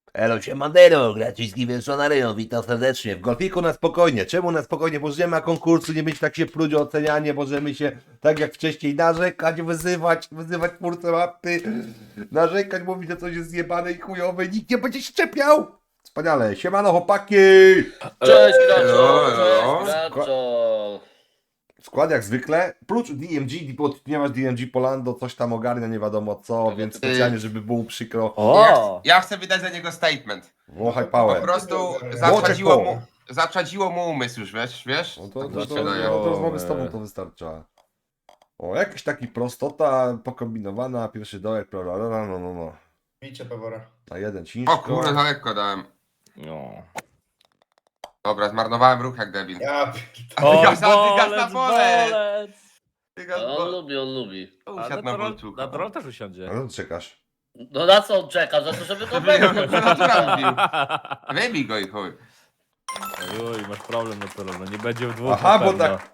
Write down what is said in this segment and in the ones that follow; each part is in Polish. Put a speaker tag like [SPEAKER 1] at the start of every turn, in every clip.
[SPEAKER 1] Elo, siemadero, Graciński Wilsonaryjo, witam serdecznie. W golfiku na spokojnie. Czemu na spokojnie? Bo nie ma konkursu, nie być tak się pluć o ocenianie, możemy się tak jak wcześniej narzekać, wyzywać twórcę mapy, narzekać, mówić, że coś jest zjebane i chujowe, nikt nie będzie się czepiał. Wspaniale, siemano chłopaki!
[SPEAKER 2] Cześć Graczol,
[SPEAKER 3] Elo.
[SPEAKER 2] cześć Graczol.
[SPEAKER 1] Skład jak zwykle, prócz DMG, bo nie masz DMG Polando, coś tam ogarnia, nie wiadomo co, więc specjalnie, żeby było przykro,
[SPEAKER 3] Ja chcę wydać za niego statement.
[SPEAKER 1] włochaj
[SPEAKER 3] Po
[SPEAKER 1] pałę.
[SPEAKER 3] prostu
[SPEAKER 1] Włoczek po.
[SPEAKER 3] zaczadziło mu umysł już, wiesz?
[SPEAKER 1] No to,
[SPEAKER 3] Tak
[SPEAKER 1] to,
[SPEAKER 3] mi
[SPEAKER 1] to,
[SPEAKER 3] się wydaje.
[SPEAKER 1] to rozmowy z tobą to wystarcza. O, jakiś taki prostota pokombinowana, pierwszy dołek, no.
[SPEAKER 4] Bicie Pewora.
[SPEAKER 1] Na jeden
[SPEAKER 3] O
[SPEAKER 1] ciężko.
[SPEAKER 3] kurde, za lekko dałem.
[SPEAKER 5] No.
[SPEAKER 3] Dobra, zmarnowałem ruch jak debil.
[SPEAKER 4] Ja
[SPEAKER 5] O,
[SPEAKER 3] Dygas na
[SPEAKER 5] bolec,
[SPEAKER 3] bolec.
[SPEAKER 5] bolec!
[SPEAKER 3] Dygas,
[SPEAKER 2] On lubi.
[SPEAKER 3] usiadł na bolczuka.
[SPEAKER 5] Na troll też usiądzie.
[SPEAKER 1] No to czekasz.
[SPEAKER 2] No na co on czeka? Za to, żeby go wepchnąć.
[SPEAKER 3] Natura wbił. Wybij go i chuj.
[SPEAKER 5] Oj, masz problem na troll, no nie będzie w dwóch.
[SPEAKER 1] Aha,
[SPEAKER 5] na
[SPEAKER 1] bo
[SPEAKER 5] pewno.
[SPEAKER 1] tak.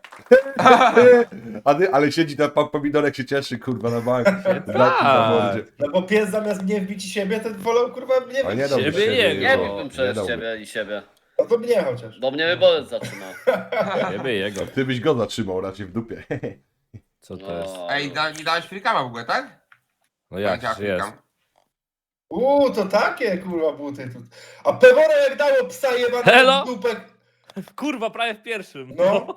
[SPEAKER 1] Ale siedzi tam pan pomidorek się cieszy, kurwa, na małym.
[SPEAKER 4] No bo pies zamiast mnie wbić i siebie, to wolał kurwa mnie
[SPEAKER 1] A nie
[SPEAKER 4] wbić.
[SPEAKER 1] dałbyś
[SPEAKER 5] Siebie
[SPEAKER 1] siebie,
[SPEAKER 5] jego.
[SPEAKER 2] Nie
[SPEAKER 1] no,
[SPEAKER 2] biłbym przez
[SPEAKER 1] dałby.
[SPEAKER 2] ciebie i siebie.
[SPEAKER 4] No to mnie chociaż.
[SPEAKER 2] Bo mnie wybolec zatrzymał.
[SPEAKER 5] Ciebie i jego.
[SPEAKER 1] Ty byś go zatrzymał raczej w dupie.
[SPEAKER 5] Co to jest?
[SPEAKER 2] No.
[SPEAKER 3] Ej, mi dałeś frikama w ogóle, tak?
[SPEAKER 5] No jak
[SPEAKER 3] Działa
[SPEAKER 5] jest?
[SPEAKER 3] frikam.
[SPEAKER 4] To takie kurwa buty tu. A Pewora jak dało psa
[SPEAKER 5] Elo?
[SPEAKER 4] jebanego w dupę.
[SPEAKER 5] Kurwa, prawie w pierwszym.
[SPEAKER 4] No.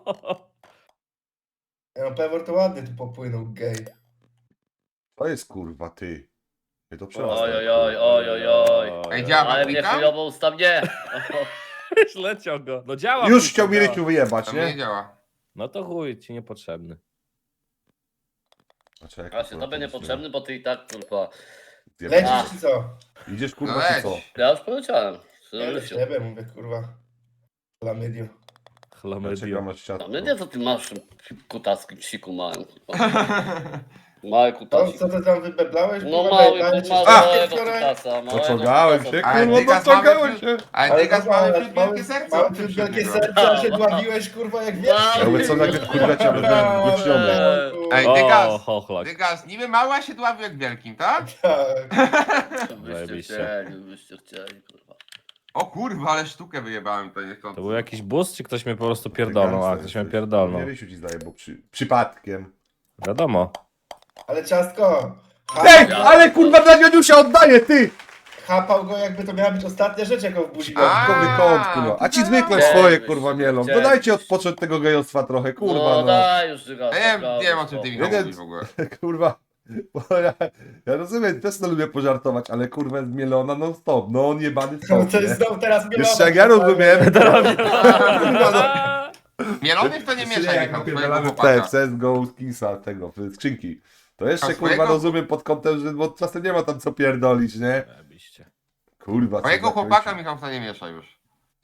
[SPEAKER 4] No Pewor to ładnie tu popłynął, gej.
[SPEAKER 1] To jest kurwa, ty. Nie to
[SPEAKER 2] Oj,
[SPEAKER 1] przerasta.
[SPEAKER 2] oj, oj, oj, oj, oj.
[SPEAKER 3] Ej, działa
[SPEAKER 2] Ale mnie
[SPEAKER 3] frikam?
[SPEAKER 2] chujowo ustaw, nie.
[SPEAKER 5] Już leciał go. No działa.
[SPEAKER 1] Już
[SPEAKER 5] kurwa,
[SPEAKER 1] chciał mi
[SPEAKER 5] działa.
[SPEAKER 1] ryciu wyjebać,
[SPEAKER 3] To mnie nie
[SPEAKER 1] nie?
[SPEAKER 3] działa.
[SPEAKER 5] No to chuj, ci niepotrzebny.
[SPEAKER 1] Znaczy, jak
[SPEAKER 2] Właśnie,
[SPEAKER 1] kurwa,
[SPEAKER 2] tobie
[SPEAKER 1] to
[SPEAKER 2] niepotrzebny, bo ty i tak kurwa.
[SPEAKER 1] zjebać.
[SPEAKER 4] Lecisz czy co?
[SPEAKER 1] Idziesz
[SPEAKER 3] No
[SPEAKER 1] kurwa, czy
[SPEAKER 3] leć.
[SPEAKER 1] co?
[SPEAKER 2] Ja już poleciałem.
[SPEAKER 4] Ja do ciebie mówię kurwa. Chlamydio.
[SPEAKER 1] Dlaczego
[SPEAKER 5] Chlamydio.
[SPEAKER 1] masz
[SPEAKER 2] A
[SPEAKER 1] ciastko?
[SPEAKER 2] mnie nie co ty masz kutacki psiku małym. kurwa. Mały
[SPEAKER 4] No
[SPEAKER 2] kutasik.
[SPEAKER 4] co ty tam wybeblałeś?
[SPEAKER 2] No
[SPEAKER 4] kurwa,
[SPEAKER 2] mały,
[SPEAKER 4] dajcie ci
[SPEAKER 2] małego
[SPEAKER 4] wczoraj?
[SPEAKER 2] kutasa. małego
[SPEAKER 1] Dociągałem
[SPEAKER 2] kutasa.
[SPEAKER 1] się,
[SPEAKER 3] Ale
[SPEAKER 1] kurwa,
[SPEAKER 3] Dygas
[SPEAKER 1] dociągałem
[SPEAKER 3] mamy-
[SPEAKER 1] się.
[SPEAKER 3] Ale Dygas mamy wśród wielkie serce.
[SPEAKER 4] Mamy
[SPEAKER 3] odczuł
[SPEAKER 4] wśród
[SPEAKER 3] się od
[SPEAKER 4] wielkie
[SPEAKER 3] niego.
[SPEAKER 4] serce, a się dławiłeś kurwa jak wiesz.
[SPEAKER 1] Ja mówię, co nagle kurwa cię będę głośniony.
[SPEAKER 3] Ej,
[SPEAKER 5] O,
[SPEAKER 3] Dygas.
[SPEAKER 5] chochlak.
[SPEAKER 3] Dygas, niby mała się dławił jak wielkim, tak?
[SPEAKER 4] Tak.
[SPEAKER 2] Byście
[SPEAKER 5] Zajebiście.
[SPEAKER 2] chcieli, byście chcieli, kurwa.
[SPEAKER 3] O kurwa, ale sztukę wyjebałem to niech
[SPEAKER 5] To był jakiś bus, czy ktoś mnie po prostu pierdolnął? A, ktoś mnie pierdolnął.
[SPEAKER 1] Nie Rysiu ci zdaje, bo przypadkiem.
[SPEAKER 5] Wiadomo.
[SPEAKER 4] Ale ciastko.
[SPEAKER 1] Ej, ale kurwa dla Nioniusia oddaję, ty!
[SPEAKER 4] Chapał go jakby to miała być ostatnia rzecz jaką w buzi.
[SPEAKER 3] A,
[SPEAKER 1] Dodatkowy kąt, kurwa. A ci zwykle
[SPEAKER 2] Chcielibyście,
[SPEAKER 1] swoje, kurwa, mielą.
[SPEAKER 2] chcielibyście.
[SPEAKER 1] Dodajcie odpocząć tego gejostwa trochę, kurwa,
[SPEAKER 2] No
[SPEAKER 1] no.
[SPEAKER 2] daj już Dygas.
[SPEAKER 3] Ja nie
[SPEAKER 2] naprawdę,
[SPEAKER 3] wiem o czym ty
[SPEAKER 2] spoko.
[SPEAKER 3] Michał
[SPEAKER 1] Nie,
[SPEAKER 3] mówisz w ogóle.
[SPEAKER 1] Kurwa. Bo ja rozumiem, też to lubię pożartować, ale kurwa jest mielona non stop. No on jebany
[SPEAKER 4] No
[SPEAKER 1] stop,
[SPEAKER 4] to
[SPEAKER 1] nie?
[SPEAKER 4] jest znowu teraz mielone.
[SPEAKER 1] Jeszcze jak ja rozumiem. Kurwa, no.
[SPEAKER 3] Mielonych to nie mieszaj,
[SPEAKER 1] Jak
[SPEAKER 3] Michał, twojego
[SPEAKER 1] napierdalamy
[SPEAKER 3] chłopaka.
[SPEAKER 1] w CSGO Kingsa, tego, w skrzynki. To jeszcze
[SPEAKER 3] A
[SPEAKER 1] kurwa
[SPEAKER 3] swojego?
[SPEAKER 1] rozumiem pod kątem, że bo czasem nie ma tam co pierdolić, nie?
[SPEAKER 5] Zajebiście.
[SPEAKER 1] Kurwa, co
[SPEAKER 3] Twojego
[SPEAKER 1] za
[SPEAKER 3] chłopaka,
[SPEAKER 1] kończy.
[SPEAKER 3] Michał, to nie mieszaj już.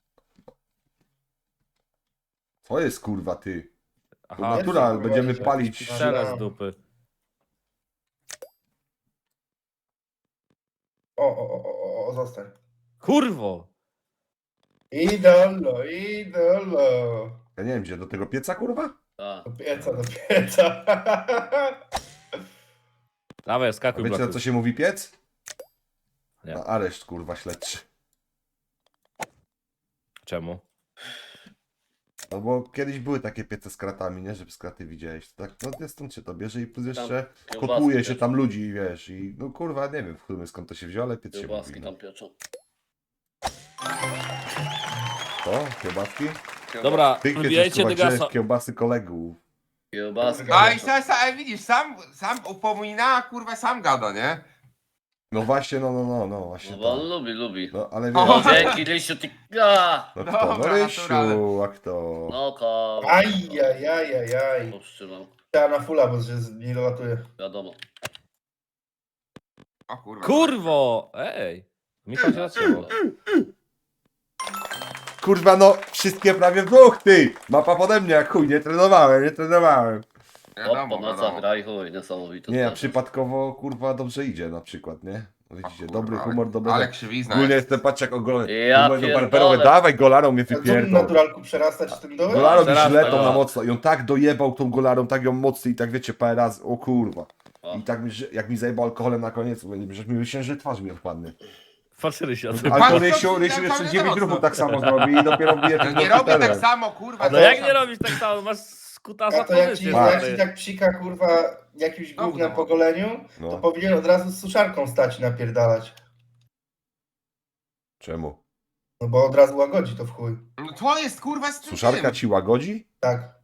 [SPEAKER 1] Co jest kurwa ty?
[SPEAKER 5] Aha,
[SPEAKER 1] Natura,
[SPEAKER 4] kurwa,
[SPEAKER 1] będziemy
[SPEAKER 4] idzie.
[SPEAKER 1] palić.
[SPEAKER 5] strzela z dupy.
[SPEAKER 4] O, zostań.
[SPEAKER 5] Kurwo!
[SPEAKER 4] Idolo.
[SPEAKER 1] Ja nie wiem gdzie, do tego pieca kurwa?
[SPEAKER 2] Tak.
[SPEAKER 4] Do pieca.
[SPEAKER 5] Dawaj,
[SPEAKER 1] A
[SPEAKER 5] skakuj,
[SPEAKER 1] wiecie na
[SPEAKER 5] bloku.
[SPEAKER 1] co się mówi piec?
[SPEAKER 5] Nie.
[SPEAKER 1] Na areszt kurwa śledczy.
[SPEAKER 5] Czemu?
[SPEAKER 1] No bo kiedyś były takie piece z kratami, nie? Żeby z kraty widziałeś. Tak, no stąd się to bierze i plus jeszcze
[SPEAKER 2] kiełbaski
[SPEAKER 1] kotłuje się
[SPEAKER 2] pieczą.
[SPEAKER 1] tam ludzi, wiesz. I no kurwa, nie wiem w sumie skąd to się wzięło, ale piec się
[SPEAKER 2] Kiełbaski
[SPEAKER 1] mówi. No.
[SPEAKER 2] tam pieczą.
[SPEAKER 1] To? Kiełbaski?
[SPEAKER 5] Dobra,
[SPEAKER 1] Ty kiedyś
[SPEAKER 5] wybijajcie
[SPEAKER 1] kurwa
[SPEAKER 5] Dygasa.
[SPEAKER 1] grzesz kiełbasy kolegów.
[SPEAKER 2] Kiełbaski
[SPEAKER 3] No i
[SPEAKER 2] pieczą.
[SPEAKER 3] ej, widzisz, sam upomina, a kurwa sam gada, nie?
[SPEAKER 1] No właśnie, no właśnie
[SPEAKER 2] No bo on
[SPEAKER 1] to.
[SPEAKER 2] lubi.
[SPEAKER 1] No ale
[SPEAKER 3] O,
[SPEAKER 1] wiesz,
[SPEAKER 2] Dzięki Rysiu, ty... A!
[SPEAKER 1] no kto? No
[SPEAKER 3] Dobra,
[SPEAKER 1] Rysiu,
[SPEAKER 3] naturalne.
[SPEAKER 1] a kto?
[SPEAKER 2] No ko...
[SPEAKER 4] Ajajajajaj.
[SPEAKER 2] Powstrzymam.
[SPEAKER 4] Trzeba na fulla, bo się nie dolatuje.
[SPEAKER 2] Wiadomo.
[SPEAKER 3] O kurwa.
[SPEAKER 5] Kurwo! Ej! Michał się zatrzymał.
[SPEAKER 1] Kurwa no, wszystkie prawie w dwóch, ty! Mapa pode mnie, jak chuj, nie trenowałem.
[SPEAKER 2] O,
[SPEAKER 3] Wiadomo,
[SPEAKER 2] po nocach
[SPEAKER 3] wiadomo.
[SPEAKER 2] gra i chuj, niesamowite.
[SPEAKER 1] Nie, a
[SPEAKER 2] sprawy.
[SPEAKER 1] przypadkowo kurwa dobrze idzie na przykład, nie? No
[SPEAKER 3] O
[SPEAKER 1] widzicie,
[SPEAKER 3] kurwa,
[SPEAKER 1] dobry
[SPEAKER 3] ale-
[SPEAKER 1] humor, dobry.
[SPEAKER 3] Ale krzywizna
[SPEAKER 1] Ogólnie
[SPEAKER 3] jest.
[SPEAKER 1] jestem patrz jak ogolony.
[SPEAKER 2] Ja
[SPEAKER 1] Numer do
[SPEAKER 2] pierdolę.
[SPEAKER 1] barberowe, dawaj golarą mnie
[SPEAKER 4] A co mi
[SPEAKER 1] wypierdol.
[SPEAKER 4] naturalku przerastać tym dołem?
[SPEAKER 1] Golarą mi
[SPEAKER 5] Teraz
[SPEAKER 1] źle
[SPEAKER 5] tak.
[SPEAKER 1] tą na mocno i on tak dojebał tą golarą, tak ją mocno i tak wiecie parę razy, o kurwa.
[SPEAKER 2] O.
[SPEAKER 1] I tak mi, jak mi zajebał alkoholem na koniec, mówię, że mi wysięży twarz mi odpadnie.
[SPEAKER 5] Patrz Rysia.
[SPEAKER 1] Ale
[SPEAKER 3] Pan
[SPEAKER 1] to
[SPEAKER 3] co
[SPEAKER 1] Rysiu
[SPEAKER 3] ci
[SPEAKER 1] jeszcze
[SPEAKER 3] tam
[SPEAKER 1] 9
[SPEAKER 3] cały
[SPEAKER 1] ruchów
[SPEAKER 3] noc,
[SPEAKER 1] tak samo zrobi i dopiero bije
[SPEAKER 3] No
[SPEAKER 1] tym
[SPEAKER 3] nie robię tak
[SPEAKER 1] komputerem.
[SPEAKER 3] samo, kurwa.
[SPEAKER 5] No jak nie robisz tak samo, masz skutasa
[SPEAKER 4] A to jak ci,
[SPEAKER 5] pozycję.
[SPEAKER 1] Ma.
[SPEAKER 4] jak ci
[SPEAKER 5] stary.
[SPEAKER 4] tak psika, kurwa, jakimś
[SPEAKER 3] Znowu
[SPEAKER 4] gównem
[SPEAKER 3] no.
[SPEAKER 4] po goleniu, to
[SPEAKER 1] No,
[SPEAKER 4] powinien od razu z suszarką stać i napierdalać.
[SPEAKER 1] czemu?
[SPEAKER 4] No bo od razu łagodzi to w chuj.
[SPEAKER 3] No to jest kurwa z tym
[SPEAKER 1] Suszarka
[SPEAKER 3] tym.
[SPEAKER 1] ci łagodzi?
[SPEAKER 4] Tak.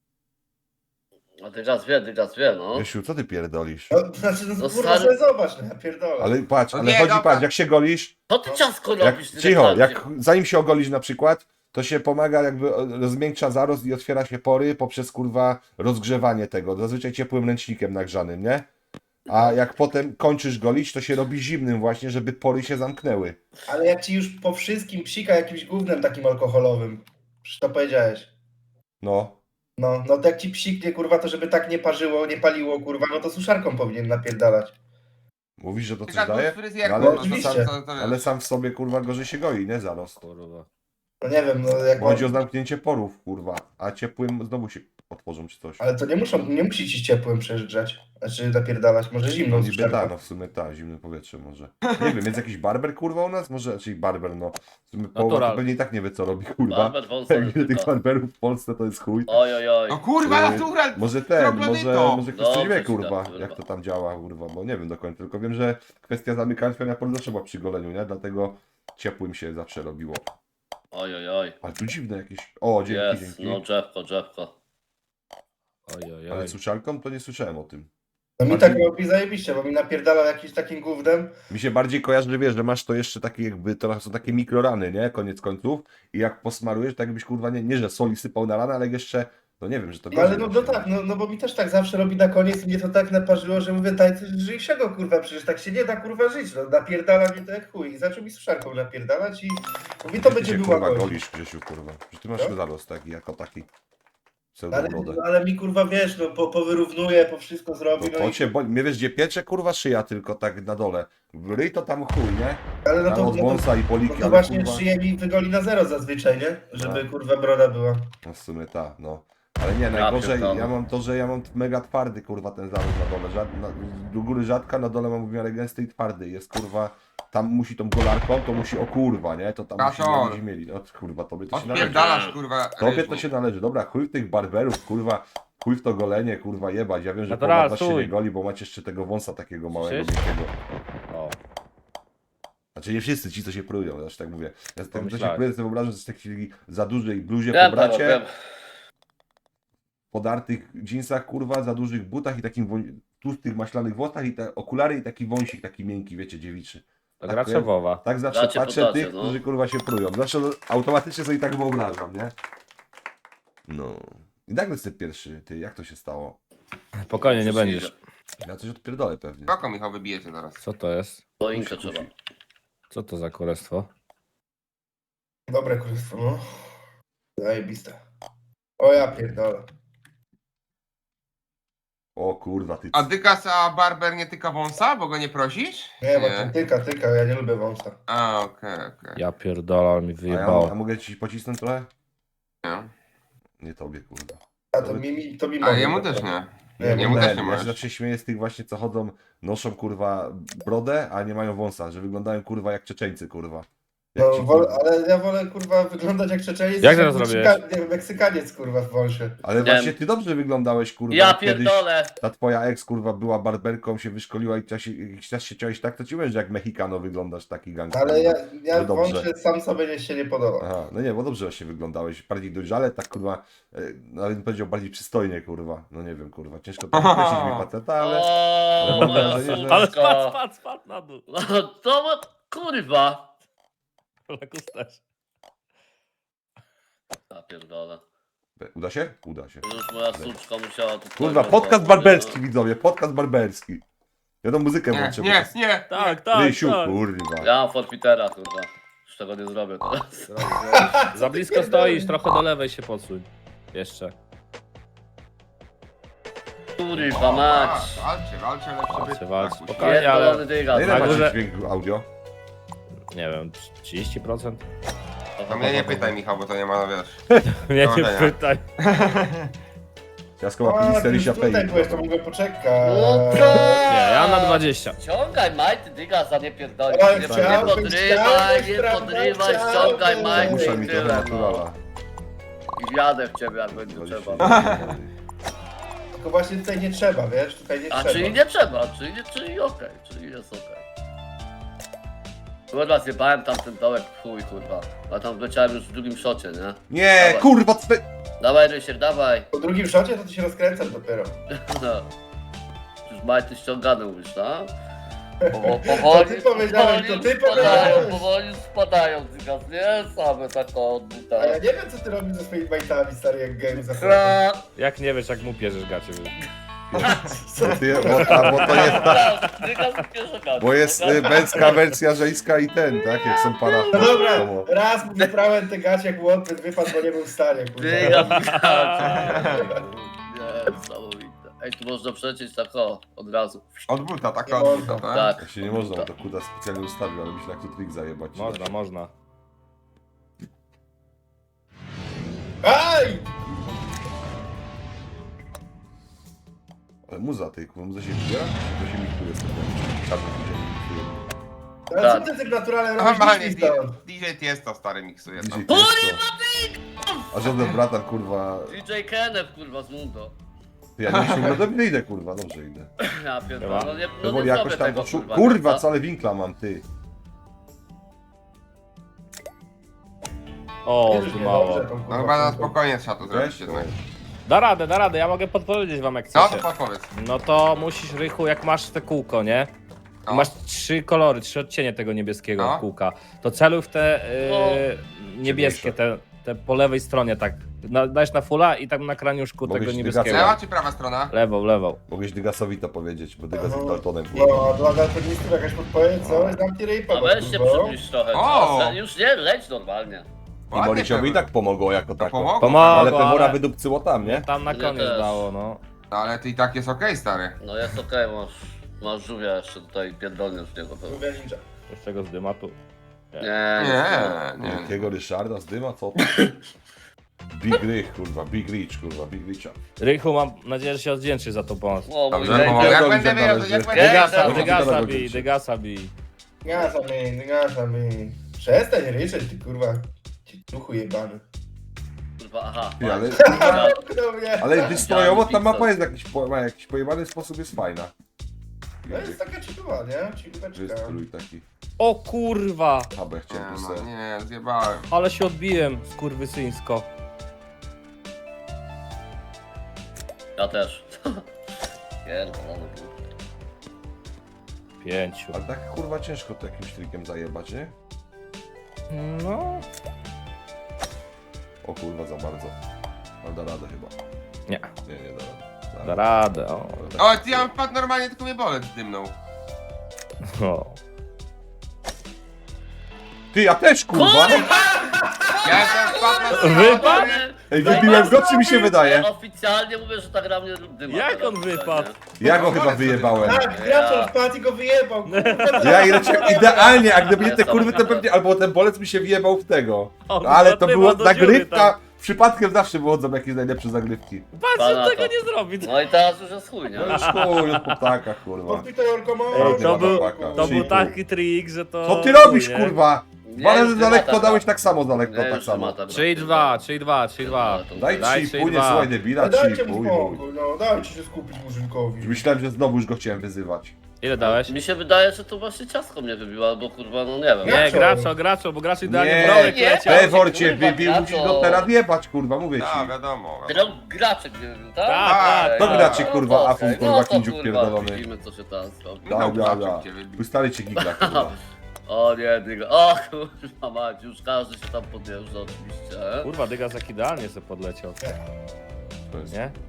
[SPEAKER 2] A ty gaz wie, no.
[SPEAKER 1] Rysiu, co ty pierdolisz?
[SPEAKER 4] No, znaczy, no,
[SPEAKER 2] No
[SPEAKER 4] kurwa,
[SPEAKER 2] stary-
[SPEAKER 4] sobie zobacz, no ja pierdolę.
[SPEAKER 1] Ale patrz,
[SPEAKER 3] No
[SPEAKER 1] ale
[SPEAKER 3] nie,
[SPEAKER 1] chodzi,
[SPEAKER 3] dobra.
[SPEAKER 1] patrz, jak się golisz,
[SPEAKER 2] Co ty ciasko
[SPEAKER 1] jak,
[SPEAKER 2] robisz? Ty
[SPEAKER 1] cicho,
[SPEAKER 2] tak
[SPEAKER 1] jak zanim się ogolisz na przykład, to się pomaga jakby rozmiękcza zarost i otwiera się pory poprzez kurwa rozgrzewanie tego, zazwyczaj ciepłym ręcznikiem nagrzanym, nie? A jak potem kończysz golić, to się robi zimnym właśnie, żeby pory się zamknęły.
[SPEAKER 4] Ale jak ci już po wszystkim psika jakimś gównem takim alkoholowym, przecież to powiedziałeś.
[SPEAKER 1] No,
[SPEAKER 4] No to jak ci psiknie, kurwa, to żeby tak nie parzyło, nie paliło, kurwa, no to suszarką powinien napierdalać.
[SPEAKER 1] mówisz, że to coś
[SPEAKER 3] Żadną
[SPEAKER 1] daje?
[SPEAKER 3] fryzjerką,
[SPEAKER 1] No, ale,
[SPEAKER 3] no to
[SPEAKER 4] oczywiście.
[SPEAKER 1] ale sam w sobie kurwa gorzej się goi, nie zarost.
[SPEAKER 5] Kurwa.
[SPEAKER 4] No nie wiem, no jak...
[SPEAKER 1] Bo chodzi o zamknięcie porów, kurwa, a ciepłym znowu się otworzą czy coś.
[SPEAKER 4] Ale to nie musi ci ciepłym przejeżdżać. Znaczy napierdalać, może
[SPEAKER 1] No
[SPEAKER 4] zimną
[SPEAKER 1] niby
[SPEAKER 4] suszarką.
[SPEAKER 1] tak, no w sumie tak, zimne powietrze może. Nie wiem, jest jakiś barber kurwa u nas? Może, czyli barber, no. W sumie połowa to
[SPEAKER 5] Natural.
[SPEAKER 1] pewnie i tak nie wie co robi, kurwa.
[SPEAKER 2] Barber wąsa
[SPEAKER 1] Jak wiele tych
[SPEAKER 2] tylko.
[SPEAKER 1] barberów w Polsce to jest chuj.
[SPEAKER 2] Oj, oj, oj.
[SPEAKER 3] No kurwa, natural.
[SPEAKER 1] Może ten,
[SPEAKER 3] Troglodyto.
[SPEAKER 1] może ktoś coś
[SPEAKER 2] Dobrze
[SPEAKER 1] wie,
[SPEAKER 2] ci
[SPEAKER 1] kurwa,
[SPEAKER 2] da, kurwa.
[SPEAKER 1] jak to tam działa, kurwa, bo nie wiem do końca, tylko wiem, że kwestia zamykania polu zawsze była przy goleniu, nie? Dlatego ciepłym się zawsze robiło.
[SPEAKER 2] Oj, oj, oj.
[SPEAKER 1] Ale tu dziwne jakieś... O, dzięki,
[SPEAKER 2] Jest,
[SPEAKER 1] dzięki.
[SPEAKER 2] no drzewko.
[SPEAKER 5] Oj, oj,
[SPEAKER 1] Ale
[SPEAKER 5] oj.
[SPEAKER 1] suszarką to nie słyszałem o tym.
[SPEAKER 4] No mi
[SPEAKER 1] Bardziej-
[SPEAKER 4] tak robi zajebiście, bo mi napierdalał jakimś takim gównem.
[SPEAKER 1] Mi się bardziej kojarzy, że wiesz, że masz to jeszcze takie jakby, to są takie mikrorany, nie? Koniec końców. I jak posmarujesz, tak jakbyś kurwa, nie że soli sypał na ranę, ale jeszcze, no nie wiem, że to
[SPEAKER 4] No ale
[SPEAKER 1] gorzej
[SPEAKER 4] no
[SPEAKER 1] właśnie.
[SPEAKER 4] tak, no bo mi też tak zawsze robi na koniec i mnie to tak naparzyło, że mówię, daj coś lżejszego, kurwa, przecież tak się nie da, kurwa, żyć, no napierdala mnie to jak chuj. I zaczął mi suszarką napierdalać i mówi, to
[SPEAKER 1] Ty
[SPEAKER 4] będzie
[SPEAKER 1] się,
[SPEAKER 4] była
[SPEAKER 1] kurwa,
[SPEAKER 4] gość.
[SPEAKER 1] golisz, Grzesiu, kurwa. Że ty masz
[SPEAKER 4] Co?
[SPEAKER 1] zarost taki, jako taki.
[SPEAKER 4] Ale,
[SPEAKER 1] Pseudobrodę.
[SPEAKER 4] ale mi, kurwa, wiesz, no powyrównuje, po wszystko zrobi,
[SPEAKER 1] No
[SPEAKER 4] no
[SPEAKER 1] to
[SPEAKER 4] i...
[SPEAKER 1] cię boli. Mnie wiesz, gdzie piecze, kurwa, szyja tylko tak na dole. Ryj to tam chuj, nie?
[SPEAKER 4] Ale no
[SPEAKER 1] Tam
[SPEAKER 4] to,
[SPEAKER 1] od
[SPEAKER 4] no to,
[SPEAKER 1] wąsa i
[SPEAKER 4] no
[SPEAKER 1] poliki,
[SPEAKER 4] to
[SPEAKER 1] ale
[SPEAKER 4] właśnie
[SPEAKER 1] kurwa...
[SPEAKER 4] szyję mi wygoli na zero zazwyczaj, nie? Żeby,
[SPEAKER 1] Tak.
[SPEAKER 4] kurwa, broda była.
[SPEAKER 1] No w sumie tak, no. Ale nie, najgorzej,
[SPEAKER 2] pierdolę.
[SPEAKER 1] ja mam to, że ja mam mega twardy, kurwa, ten zaród na dole. Do góry rzadka, na dole mam w miarę gęsty i twardy. Jest, kurwa, tam musi tą golarką, to musi, o kurwa, nie? To tam
[SPEAKER 3] Kaczor.
[SPEAKER 1] musi mieli. O kurwa, tobie to się należy.
[SPEAKER 3] Odpierdalasz, kurwa.
[SPEAKER 1] Tobie
[SPEAKER 3] ryżu.
[SPEAKER 1] to się należy. Dobra, chuj w tych barberów, kurwa, chuj w to golenie, kurwa, jebać. Ja wiem, że
[SPEAKER 5] Natural,
[SPEAKER 1] połowa was się
[SPEAKER 5] stój.
[SPEAKER 1] nie goli, bo macie jeszcze tego wąsa takiego małego,
[SPEAKER 5] Słyszysz?
[SPEAKER 1] wielkiego.
[SPEAKER 5] O.
[SPEAKER 1] Znaczy nie wszyscy ci, co się prują, aż tak mówię. Ja z tego, co się
[SPEAKER 5] Pomyślałem.
[SPEAKER 1] pruję, sobie wyobrażam, że z takiej za dużej bluzie
[SPEAKER 2] Wiem,
[SPEAKER 1] po bracie,
[SPEAKER 2] wiem.
[SPEAKER 1] podartych dżinsach, kurwa, za dużych butach i takim tłustych, maślanych włosach i te okulary i taki wąsik taki miękki, wiecie, dziewiczy.
[SPEAKER 5] To
[SPEAKER 1] Tak,
[SPEAKER 5] gra
[SPEAKER 1] to
[SPEAKER 5] Trzewowa.
[SPEAKER 1] Tak zawsze
[SPEAKER 2] Dacie
[SPEAKER 1] patrzę
[SPEAKER 2] podacie,
[SPEAKER 1] tych,
[SPEAKER 2] no.
[SPEAKER 1] którzy kurwa się prują. Zawsze automatycznie sobie tak wyobrażam, nie? No. I nagle jest ten pierwszy, ty, jak to się stało?
[SPEAKER 5] Spokojnie, nie będziesz.
[SPEAKER 1] Ja coś odpierdolę pewnie.
[SPEAKER 3] Spoko, Michał, wybijecie zaraz.
[SPEAKER 5] Co to jest?
[SPEAKER 2] Choinkę trzeba.
[SPEAKER 5] Co to za królestwo?
[SPEAKER 4] Dobre królestwo, no. Zajebiste. O ja pierdolę.
[SPEAKER 1] O kurwa, ty.
[SPEAKER 3] A Dykas, a Barber nie tyka wąsa, bo go nie prosisz?
[SPEAKER 4] Nie, bo to tyka, ja nie lubię wąsa.
[SPEAKER 3] A, okej.
[SPEAKER 5] Ja pierdolę, ale mi
[SPEAKER 1] A
[SPEAKER 5] wyjebało.
[SPEAKER 1] mogę ci pocisnąć trochę?
[SPEAKER 3] Nie.
[SPEAKER 1] Nie tobie, kurwa.
[SPEAKER 4] A to mi
[SPEAKER 3] A
[SPEAKER 4] mogę.
[SPEAKER 3] jemu też nie.
[SPEAKER 4] Nie,
[SPEAKER 3] Jemu
[SPEAKER 1] nie,
[SPEAKER 3] też nie
[SPEAKER 1] ja
[SPEAKER 3] możesz.
[SPEAKER 1] się zawsze śmieję z tych właśnie, co chodzą, noszą kurwa brodę, a nie mają wąsa, że wyglądają kurwa jak Czeczeńcy, kurwa. Jak
[SPEAKER 4] No,
[SPEAKER 1] ci, kurwa.
[SPEAKER 4] ale ja wolę, kurwa, wyglądać jak Czeczeniec.
[SPEAKER 5] Jak
[SPEAKER 4] niż
[SPEAKER 5] teraz
[SPEAKER 4] nie, Meksykaniec, kurwa, w wąsie.
[SPEAKER 1] Ale
[SPEAKER 2] Nie.
[SPEAKER 1] właśnie ty dobrze wyglądałeś, kurwa.
[SPEAKER 2] Ja
[SPEAKER 1] jak kiedyś
[SPEAKER 2] pierdolę.
[SPEAKER 1] ta twoja ex, kurwa, była barberką, się wyszkoliła i jakiś czas się ciąłeś tak, to ci mówię, że jak Mexicano wyglądasz, taki gangster.
[SPEAKER 4] Ale ja
[SPEAKER 1] No
[SPEAKER 4] w
[SPEAKER 1] dobrze.
[SPEAKER 4] wąsie sam sobie się nie podoba.
[SPEAKER 1] Aha, no nie, bo dobrze właśnie wyglądałeś, bardziej dojrzale, tak kurwa, nawet bym powiedział bardziej przystojnie, kurwa. No nie wiem, kurwa, ciężko to określić mi faceta, ale...
[SPEAKER 2] O,
[SPEAKER 1] mam
[SPEAKER 2] moja
[SPEAKER 1] wrażenie, że-
[SPEAKER 5] Ale
[SPEAKER 2] suczka.
[SPEAKER 5] spadł na dół.
[SPEAKER 2] No to kurwa.
[SPEAKER 5] Lekus też.
[SPEAKER 2] Ja pierdolę.
[SPEAKER 1] Uda się? Uda się.
[SPEAKER 2] Już moja suczka musiała tu...
[SPEAKER 1] Kurwa, podcast barberski, widzowie, podcast barberski. Ja tą muzykę
[SPEAKER 3] Nie,
[SPEAKER 1] włączę.
[SPEAKER 3] nie, nie.
[SPEAKER 5] Tak, tak,
[SPEAKER 1] Rysiu,
[SPEAKER 5] tak.
[SPEAKER 1] kurwa.
[SPEAKER 2] Ja mam forfitera, kurwa. Już tego nie zrobię teraz.
[SPEAKER 5] Za blisko stoisz, trochę do lewej się podsuń. Jeszcze.
[SPEAKER 2] Kurwa mać.
[SPEAKER 3] Walcie, lepsze
[SPEAKER 5] Walcie,
[SPEAKER 3] byty.
[SPEAKER 5] walcie.
[SPEAKER 3] Tak,
[SPEAKER 5] Spokojnie, ale-
[SPEAKER 2] Pierdolony dygas.
[SPEAKER 1] A ile
[SPEAKER 5] Na
[SPEAKER 1] macie
[SPEAKER 5] górze-
[SPEAKER 1] dźwięk audio?
[SPEAKER 5] Nie wiem, 30%?
[SPEAKER 3] To mnie nie pytaj, Michał, bo to nie ma, wiesz.
[SPEAKER 5] Nie, nie
[SPEAKER 3] Powodzenia.
[SPEAKER 5] pytaj.
[SPEAKER 1] Ciasko ma
[SPEAKER 4] A, ty
[SPEAKER 1] 50
[SPEAKER 4] już tutaj
[SPEAKER 1] API.
[SPEAKER 4] byłeś, to mogę poczekać.
[SPEAKER 2] No
[SPEAKER 5] Nie, ja na 20.
[SPEAKER 2] Ściągaj majty, dyga, za nie pierdolisz.
[SPEAKER 4] Oj,
[SPEAKER 2] Nie
[SPEAKER 4] chciałbyś,
[SPEAKER 2] podrywaj, nie
[SPEAKER 4] prawda,
[SPEAKER 2] podrywaj,
[SPEAKER 4] chciałbyś.
[SPEAKER 2] ściągaj majty
[SPEAKER 1] Muszę
[SPEAKER 2] i
[SPEAKER 1] mi trochę
[SPEAKER 2] tyle, no.
[SPEAKER 1] naturala.
[SPEAKER 2] I wjadę w ciebie, jak będzie trzeba.
[SPEAKER 4] Tylko właśnie tutaj nie trzeba, wiesz? Tutaj nie
[SPEAKER 2] A
[SPEAKER 4] trzeba.
[SPEAKER 2] czyli nie trzeba, czyli okej, czyli jest okej. Kurwa, zjebałem tam ten dołek, chuj kurwa. A tam wleciałem już w drugim szocie, nie?
[SPEAKER 1] Nie,
[SPEAKER 2] Dawaj.
[SPEAKER 1] kurwa, co ty...
[SPEAKER 2] Dawaj Rysier, dawaj.
[SPEAKER 4] Po drugim szocie to ty się rozkręcasz dopiero.
[SPEAKER 2] No. Już majty ściągane mówisz, no?
[SPEAKER 4] To ty powiedziałeś, to ty powiedziałeś.
[SPEAKER 2] Powoli spadają, dygas, nie? Same tak od buta.
[SPEAKER 4] A ja nie wiem, co ty robisz ze swoimi bajtami, stary, jak game zachodzi.
[SPEAKER 5] Jak nie wiesz, jak mu pierzesz gacie.
[SPEAKER 1] Bo to jest
[SPEAKER 2] Dygas pierwsza karta.
[SPEAKER 1] Bo jest męska wersja żeńska i ten, tak? Jak są para...
[SPEAKER 4] No dobra, raz mu wyprałem te gacie, jak łotwy wypadł, bo nie był w stanie,
[SPEAKER 2] Dygas,
[SPEAKER 4] kurwa.
[SPEAKER 2] nie, niesamowite. Ej, tu można przecieć tak o, od razu.
[SPEAKER 3] Od buta, taka
[SPEAKER 4] Nie
[SPEAKER 3] od
[SPEAKER 4] można.
[SPEAKER 3] buta, tak?
[SPEAKER 2] Tak.
[SPEAKER 1] Jak się nie można, bo to kuda specjalnie ustawił, ale myślę, jak tu trik zajebać.
[SPEAKER 5] Można, można.
[SPEAKER 4] Aj!
[SPEAKER 1] Ale muza tej, kurwa, muza się wbiera? To się miksuje z tym. Czarno się miksuje.
[SPEAKER 4] Ale co ty tym naturalem robisz?
[SPEAKER 3] Normalnie
[SPEAKER 4] Idź mi stąd.
[SPEAKER 3] DJ Tiesto stary miksuje
[SPEAKER 1] DJ
[SPEAKER 3] tam.
[SPEAKER 1] Tiesto. A żaden bratan, kurwa...
[SPEAKER 2] DJ Kenneth, kurwa, z Mundo.
[SPEAKER 1] Ja nie myślę, no dobrze idę, kurwa, dobrze idę.
[SPEAKER 2] Ja pierdolę, no nie, no
[SPEAKER 1] Bo
[SPEAKER 2] nie
[SPEAKER 1] jakoś
[SPEAKER 2] zrobię
[SPEAKER 1] tam...
[SPEAKER 2] tego,
[SPEAKER 1] Kurwa,
[SPEAKER 2] kurwa.
[SPEAKER 1] kurwa, ale winkla mam, ty.
[SPEAKER 5] O,
[SPEAKER 4] Bierzesz mnie
[SPEAKER 5] mało.
[SPEAKER 4] dobrze, tą, kurwa,
[SPEAKER 3] No chyba na
[SPEAKER 4] kurwa.
[SPEAKER 3] spokojnie trzeba to zrobić
[SPEAKER 1] Wiesz?
[SPEAKER 3] jednak.
[SPEAKER 5] Da radę, ja mogę podpowiedzieć wam jak
[SPEAKER 3] No
[SPEAKER 5] chcecie.
[SPEAKER 3] to podpowiedz.
[SPEAKER 5] No to musisz, Rychu, jak masz te kółko, nie?
[SPEAKER 3] No.
[SPEAKER 5] Masz 3 kolory, 3 odcienie tego niebieskiego
[SPEAKER 3] No.
[SPEAKER 5] kółka. To celuj w te
[SPEAKER 2] No.
[SPEAKER 5] niebieskie, te po lewej stronie tak. Dajesz na fulla i tam na kraniuszku
[SPEAKER 1] Mogę
[SPEAKER 5] tego
[SPEAKER 1] ci
[SPEAKER 5] niebieskiego.
[SPEAKER 3] Lewa czy prawa strona?
[SPEAKER 5] Lewą.
[SPEAKER 1] Mogłeś Dygasowi to powiedzieć, bo Dygas jest
[SPEAKER 4] No.
[SPEAKER 1] Daltonem.
[SPEAKER 4] No, dla daltonistów jakaś podpowiedź, co? Zamknij ryjpa,
[SPEAKER 2] A weź się przybliż trochę.
[SPEAKER 3] O!
[SPEAKER 2] czas. Już nie, leć normalnie.
[SPEAKER 1] I Morisiowi i tak pomogło jako
[SPEAKER 3] To
[SPEAKER 1] tako.
[SPEAKER 3] pomogło.
[SPEAKER 5] Pomogło.
[SPEAKER 1] Ale Pewora
[SPEAKER 5] ale-
[SPEAKER 1] wydupcyło tam, nie?
[SPEAKER 5] Tam na
[SPEAKER 2] Ja
[SPEAKER 5] koniec
[SPEAKER 2] też.
[SPEAKER 5] dało, no.
[SPEAKER 3] No ale ty i tak jest okej, stary.
[SPEAKER 2] No jest okej, masz żółwia jeszcze tutaj pierdolnie z niego. To...
[SPEAKER 4] Mówię ninja.
[SPEAKER 5] Jeszcze go z dymatu.
[SPEAKER 3] Nie.
[SPEAKER 1] Jakiego Ryszarda z dyma, co to? Big Rich, kurwa, Big Rich, kurwa, Big Richa.
[SPEAKER 5] Rychu, mam nadzieję, że się odwdzięczysz za tą pomoc.
[SPEAKER 2] O, mój
[SPEAKER 3] Dobrze,
[SPEAKER 2] gej,
[SPEAKER 3] pomogę.
[SPEAKER 2] gej.
[SPEAKER 3] Jak
[SPEAKER 1] Dobrze,
[SPEAKER 3] będę
[SPEAKER 1] dobrze,
[SPEAKER 3] wiedział,
[SPEAKER 1] dobrze.
[SPEAKER 3] jak będę
[SPEAKER 2] Dygasa,
[SPEAKER 3] wiedział.
[SPEAKER 5] Dygasa bij.
[SPEAKER 4] Gasa mi. Przestań ryczeć, ty kurwa. Ci duchu jebany.
[SPEAKER 2] Kurwa, aha.
[SPEAKER 1] Ty, ale-
[SPEAKER 4] Kto mnie?
[SPEAKER 1] Ale wystrojowo ta
[SPEAKER 2] Pixel.
[SPEAKER 1] mapa jest ma jakiś pojebany sposób, jest fajna.
[SPEAKER 4] No jest taka ciekawa, nie? Ciekaweczka.
[SPEAKER 1] Wystrój taki.
[SPEAKER 5] O kurwa!
[SPEAKER 1] Habę chciałem
[SPEAKER 3] Nie,
[SPEAKER 1] tu
[SPEAKER 3] no,
[SPEAKER 1] se.
[SPEAKER 3] nie, zjebałem.
[SPEAKER 5] Ale się odbiłem, skurwysyńsko.
[SPEAKER 2] Ja też. Pierdolony.
[SPEAKER 5] 5.
[SPEAKER 1] Ale tak kurwa ciężko to jakimś trikiem zajebać, nie?
[SPEAKER 5] No.
[SPEAKER 1] O kurwa, za bardzo. Ale da radę chyba.
[SPEAKER 5] Nie.
[SPEAKER 1] Nie da rady.
[SPEAKER 5] Da radę, o.
[SPEAKER 1] Ale tak-
[SPEAKER 3] O, ty ja mam wpadł normalnie, tylko mnie bolec dymnął.
[SPEAKER 5] o.
[SPEAKER 1] Ty, ja też kurwa!
[SPEAKER 3] Ja jestem wpadł na
[SPEAKER 5] Wypadł?
[SPEAKER 1] Ej, wybiłem go, czy mi się wydaje?
[SPEAKER 2] Oficjalnie mówię, że ta gra mnie dyma.
[SPEAKER 5] Jak
[SPEAKER 2] teraz
[SPEAKER 5] on
[SPEAKER 2] tutaj,
[SPEAKER 5] wypadł?
[SPEAKER 2] nie?
[SPEAKER 1] Ja go chyba wyjebałem.
[SPEAKER 4] Tak, gracz wpadł i go wyjebał, kurwa.
[SPEAKER 1] Ja i leciałem idealnie, a gdyby nie te kurwy, to pewnie, albo ten bolec mi się wjebał w tego.
[SPEAKER 5] On
[SPEAKER 1] Ale to
[SPEAKER 5] dopływał
[SPEAKER 1] była
[SPEAKER 5] do dziury
[SPEAKER 1] zagrywka,
[SPEAKER 5] tam.
[SPEAKER 1] przypadkiem zawsze wychodzą jakieś najlepsze zagrywki.
[SPEAKER 5] Patrz,
[SPEAKER 2] Pana
[SPEAKER 5] on tego
[SPEAKER 2] to.
[SPEAKER 5] nie zrobi.
[SPEAKER 2] No i teraz już jest chuj, nie?
[SPEAKER 1] No już chuj, już po ptakach, kurwa.
[SPEAKER 4] Podpitał Orkomon.
[SPEAKER 5] Ej, to był-
[SPEAKER 1] To
[SPEAKER 5] To był taki trik, że to...
[SPEAKER 1] Co ty robisz,
[SPEAKER 5] chuj, nie?
[SPEAKER 1] kurwa?
[SPEAKER 2] Nie,
[SPEAKER 1] Dwa razy
[SPEAKER 2] już
[SPEAKER 1] za lekko
[SPEAKER 2] dymata
[SPEAKER 1] dałeś
[SPEAKER 2] gra.
[SPEAKER 1] tak samo za lekko,
[SPEAKER 2] Nie,
[SPEAKER 1] tak
[SPEAKER 2] już
[SPEAKER 1] samo.
[SPEAKER 2] dymata gra.
[SPEAKER 5] 3-2, 3-2, 3-2.
[SPEAKER 1] Daj
[SPEAKER 5] Daj
[SPEAKER 1] 3,5, nie
[SPEAKER 5] 3,2.
[SPEAKER 1] słuchaj debila,
[SPEAKER 4] No dajcie
[SPEAKER 1] 3,5.
[SPEAKER 4] mu spokój, no dajcie się skupić murzynkowi.
[SPEAKER 1] Myślałem, że znowu już go chciałem wyzywać.
[SPEAKER 5] Ile dałeś?
[SPEAKER 2] Mi się wydaje, że to właśnie ciasko mnie wybiło, albo kurwa, no nie wiem.
[SPEAKER 5] Nie,
[SPEAKER 4] Graczo.
[SPEAKER 5] graczo, bo gracz idealnie
[SPEAKER 1] Nie,
[SPEAKER 5] w rolek
[SPEAKER 2] nie.
[SPEAKER 5] leciał.
[SPEAKER 1] Pewor cię
[SPEAKER 2] kurwa,
[SPEAKER 1] wybił,
[SPEAKER 2] za
[SPEAKER 1] musisz
[SPEAKER 2] to.
[SPEAKER 1] go teraz jebać, kurwa, mówię
[SPEAKER 3] No,
[SPEAKER 1] ci.
[SPEAKER 3] wiadomo.
[SPEAKER 2] Graczek mnie wybił, tak?
[SPEAKER 5] Tak,
[SPEAKER 1] to
[SPEAKER 2] Okej,
[SPEAKER 1] gracie,
[SPEAKER 2] no
[SPEAKER 1] kurwa,
[SPEAKER 2] to
[SPEAKER 1] afun,
[SPEAKER 2] okej,
[SPEAKER 1] kurwa,
[SPEAKER 2] no to,
[SPEAKER 1] kindziuk
[SPEAKER 2] kurwa,
[SPEAKER 1] pierdolony.
[SPEAKER 2] Widzimy, co się teraz robi.
[SPEAKER 1] Da, da, da.
[SPEAKER 3] Zobaczcie, cię wybił.
[SPEAKER 1] Stary cię gigla, kurwa.
[SPEAKER 2] O nie, dyga. O kurwa mać, już każdy się tam podjeżdża oczywiście.
[SPEAKER 5] Kurwa, Dygas jak idealnie sobie podleciał,
[SPEAKER 1] To jest-
[SPEAKER 5] nie?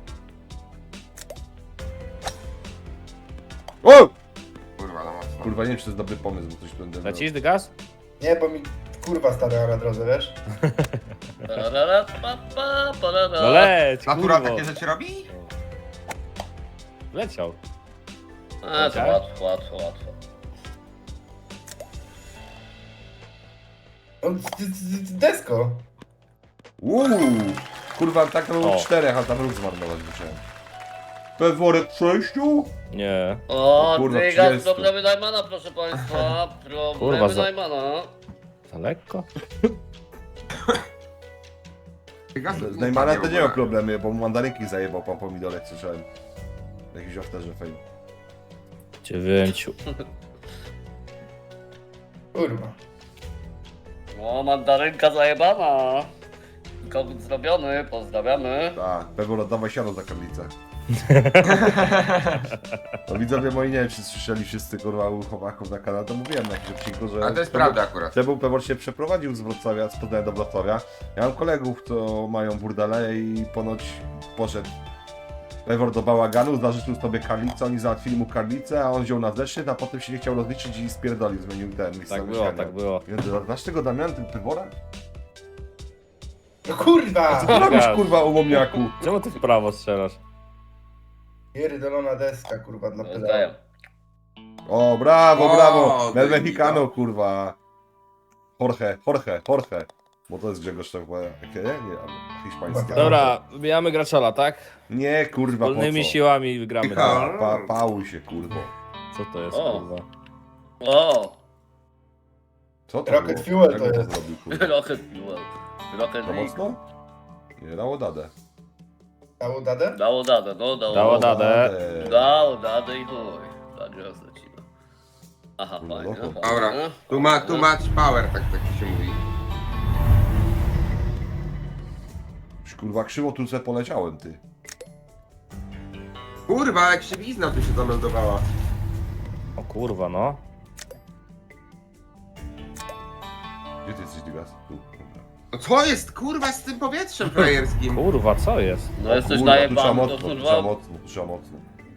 [SPEAKER 1] O!
[SPEAKER 3] Kurwa, no mocno.
[SPEAKER 1] Kurwa, nie wiem, czy to jest dobry pomysł, bo coś będę...
[SPEAKER 5] Lecisz, Dygas?
[SPEAKER 4] Nie, bo mi kurwa stara na drodze, wiesz?
[SPEAKER 2] Parara, pa, pa, parara.
[SPEAKER 5] No leć,
[SPEAKER 3] Natura
[SPEAKER 5] kurwo.
[SPEAKER 3] takie rzeczy robi?
[SPEAKER 5] Leciał.
[SPEAKER 2] A, to łatwo.
[SPEAKER 4] No, desko.
[SPEAKER 1] Uuu! Kurwa, tak to było
[SPEAKER 5] O.
[SPEAKER 1] 4, a tam ruch zmarnować musiałem. Peworek 6?
[SPEAKER 2] O,
[SPEAKER 1] O kurwa,
[SPEAKER 2] Dygas,
[SPEAKER 1] 30.
[SPEAKER 2] problemy Najmana, proszę państwa.
[SPEAKER 5] Kurwa,
[SPEAKER 2] Problemy
[SPEAKER 5] za-
[SPEAKER 2] Najmana.
[SPEAKER 5] Za lekko?
[SPEAKER 1] Z Neymanem to nie ma problemy, bo mu mandarynki zajebał pan pomidorek, słyszałem. Jakiś afterze fame.
[SPEAKER 5] 9.
[SPEAKER 4] Kurwa.
[SPEAKER 2] O, mandarynka zajebana. Kogut zrobiony, pozdrawiamy.
[SPEAKER 1] Tak, Pewor oddawaj siano za karlicę. No widzowie moi, nie wiem czy słyszeli wszyscy kurwa u chłopaków na kanale, to mówiłem na jakimś odcinku, że...
[SPEAKER 3] A to jest prawda akurat.
[SPEAKER 1] Pewor się przeprowadził z Wrocławia, z Poznania do Wrocławia. Ja mam kolegów, co mają burdele i ponoć poszedł Pewor do bałaganu, zażyczył sobie karlicę, oni załatwili mu karlicę, a on wziął na zeszyt, a potem się nie chciał rozliczyć i spierdolił, zmienił ten miejsce
[SPEAKER 5] Tak było,
[SPEAKER 1] mieszkania.
[SPEAKER 5] tak było.
[SPEAKER 1] Więc znasz tego Damian, ten Pewora?
[SPEAKER 4] No kurwa!
[SPEAKER 1] Co robisz kurwa u momniaku?
[SPEAKER 5] Czemu ty w prawo strzelasz?
[SPEAKER 4] Pierdolona deska, kurwa, dla pedała.
[SPEAKER 2] Zdaję.
[SPEAKER 1] O, brawo,
[SPEAKER 3] O,
[SPEAKER 1] brawo! El
[SPEAKER 3] baby,
[SPEAKER 1] Mexicano,
[SPEAKER 3] no.
[SPEAKER 1] kurwa. Jorge. Bo to jest Grzegorz to chyba, jakie, nie? Hiszpańskie.
[SPEAKER 5] Dobra, wybijamy graczola, tak?
[SPEAKER 1] Nie, kurwa, po
[SPEAKER 5] Wspólnymi
[SPEAKER 1] co?
[SPEAKER 5] siłami wygramy.
[SPEAKER 3] Michał.
[SPEAKER 1] Pałuj się, kurwo.
[SPEAKER 5] Co to jest,
[SPEAKER 2] O.
[SPEAKER 5] kurwa?
[SPEAKER 2] O,
[SPEAKER 1] Co to
[SPEAKER 4] Rocket
[SPEAKER 1] było?
[SPEAKER 4] Fuel
[SPEAKER 1] Jak
[SPEAKER 4] to
[SPEAKER 1] on
[SPEAKER 4] jest.
[SPEAKER 1] zrobił, kurwa?
[SPEAKER 2] Rocket Fuel. Rocket
[SPEAKER 1] Za
[SPEAKER 2] League.
[SPEAKER 1] mocno? Nie, dało dadę.
[SPEAKER 4] Dało dadę?
[SPEAKER 2] Dało dadę, no dało.
[SPEAKER 5] Dało dadę.
[SPEAKER 2] Dało dadę i chuj. Tak, teraz lecimy. Aha,
[SPEAKER 1] Kurwa,
[SPEAKER 2] fajnie.
[SPEAKER 1] dobra.
[SPEAKER 3] Dobra, too much power, tak się mówi.
[SPEAKER 1] Już, kurwa, krzywo tu se poleciałem, ty.
[SPEAKER 3] Kurwa, jak krzywizna tu się zameldowała.
[SPEAKER 5] O kurwa, no.
[SPEAKER 1] Gdzie ty jesteś, Dygas? Tu. Dobra.
[SPEAKER 3] No co jest kurwa z tym powietrzem frajerskim?
[SPEAKER 5] Kurwa, co jest?
[SPEAKER 2] No jesteś
[SPEAKER 1] Kurwa, tu trzeba
[SPEAKER 2] najebany, to
[SPEAKER 1] mocno, tu trzeba
[SPEAKER 2] kurwa.
[SPEAKER 1] mocno, tu trzeba mocno.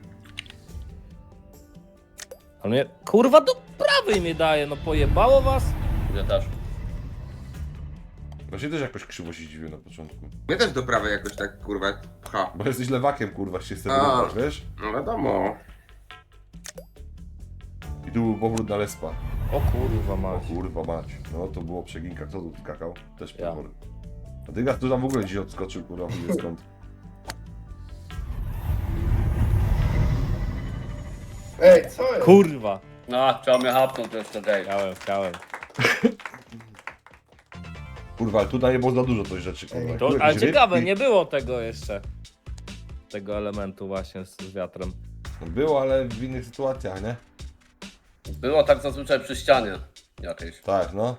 [SPEAKER 5] Ale mnie, kurwa, do prawej mnie daje, no pojebało was?
[SPEAKER 2] Ja też.
[SPEAKER 1] Właśnie też jakoś krzywo się dziwię na początku.
[SPEAKER 3] Mnie też do prawej jakoś tak kurwa pcha.
[SPEAKER 1] Bo jesteś lewakiem, kurwa, się chce
[SPEAKER 3] A.
[SPEAKER 1] wyrwać, wiesz?
[SPEAKER 3] No wiadomo.
[SPEAKER 1] I tu był powrót na Lespa.
[SPEAKER 5] O kurwa,
[SPEAKER 1] O
[SPEAKER 5] mać.
[SPEAKER 1] kurwa mać. No to było przeginka. Kto tu skakał? Też
[SPEAKER 5] Ja.
[SPEAKER 1] Pewor. A Dygas tu tam w ogóle dzisiaj odskoczył, kurwa, nie wiem skąd.
[SPEAKER 4] Ej, co jest?
[SPEAKER 5] Kurwa.
[SPEAKER 2] No, chciał mnie hapnąć jeszcze tej.
[SPEAKER 5] Chciałem.
[SPEAKER 1] Kurwa, ale tutaj nie było za dużo tych rzeczy, kurwa.
[SPEAKER 5] To,
[SPEAKER 1] Tu
[SPEAKER 5] ale
[SPEAKER 1] jakieś
[SPEAKER 5] ciekawe,
[SPEAKER 1] rybki.
[SPEAKER 5] nie było tego jeszcze. Tego elementu właśnie z wiatrem.
[SPEAKER 1] Było, ale w innych sytuacjach, nie?
[SPEAKER 2] Było tak zazwyczaj przy ścianie jakiejś.
[SPEAKER 1] Tak, no.